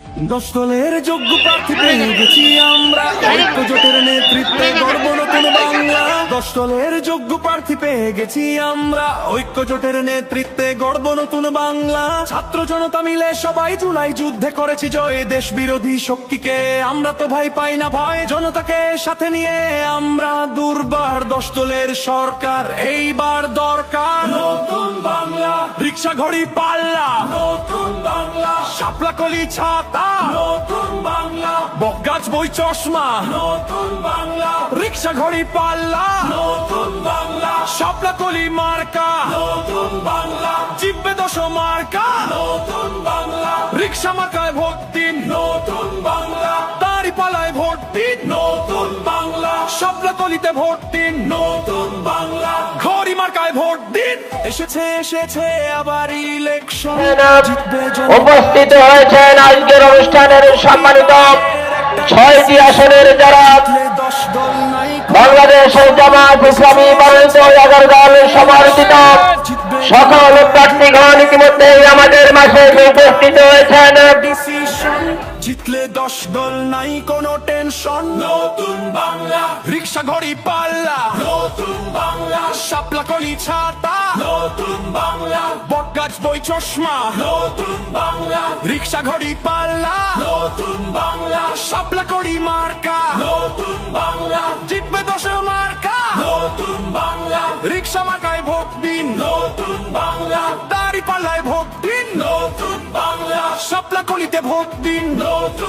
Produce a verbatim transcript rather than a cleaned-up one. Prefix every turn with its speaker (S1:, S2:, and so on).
S1: দশ দলের যোগ্য প্রার্থী পেয়ে গেছি আমরা, ঐক্য জোটের নেতৃত্বে গর্ব নতুন বাংলা। দশ দলের যোগ্য প্রার্থী পেয়ে গেছি আমরা, ঐক্য জোটের নেতৃত্বে গর্ব নতুন বাংলা। ছাত্র জনতা মিলে সবাই জুলাই যুদ্ধে করেছি জয়, দেশ বিরোধী শক্তিকে আমরা তো ভাই পাই না ভয়। জনতাকে সাথে নিয়ে আমরা দুর্বার, দশ দলের সরকার এইবার দরকার। নতুন বাংলা, রিক্সা ঘড়ি পাল্লা, নতুন বাংলা, শাপলা কলি ছাতা, নতুন বাংলা, বকগাছ বই চশমা, নতুন বাংলা, রিক্সা ঘড়ি পাল্লা, নতুন বাংলা, শাপলা কলি মার্কা, নতুন বাংলা, জিব্বে দশ মার্কা, নতুন বাংলা, রিক্সা মার্কায় ভোট দিন, নতুন বাংলা, দাড়ি পালায় ভোট দিন, নতুন বাংলা, শাপলা কলিতে ভোট দিন, নতুন বাংলা, ঘড়ি মার্কায় ভোট দিন। এসেছে এসেছে আবার ইলেকশন, জিতবে জনতা।
S2: উপস্থিত হয়েছেন আজকের অনুষ্ঠানের সম্মানিত ছয়টি আসনের যারা বাংলাদেশ জামাত ইসলামী মনোনীত এগারো দল সমর্থিত সকল প্রার্থীগণ ইতিমধ্যেই আমাদের মাঝে উপস্থিত হয়েছেন।
S1: জিতলে দশ দল নাই কোনো টেনশন, নতুন বাংলা, রিক্সা ঘড়ি পাল্লা, নতুন বাংলা, শাপলা কলি ছাতা, নতুন বাংলা, বটগাছ বই চশমা, নতুন বাংলা, রিক্সা ঘড়ি পাল্লা, নতুন বাংলা, শাপলা কলি মার্কা, নতুন বাংলা, জিতবে দশ মার্কা, নতুন বাংলা, রিক্সা মার্কায় ভোট দিন, নতুন বাংলা, দাড়ি পাল্লায় ভোট দিন, নতুন বাংলা, শাপলা কলিতে ভোট দিন, নতুন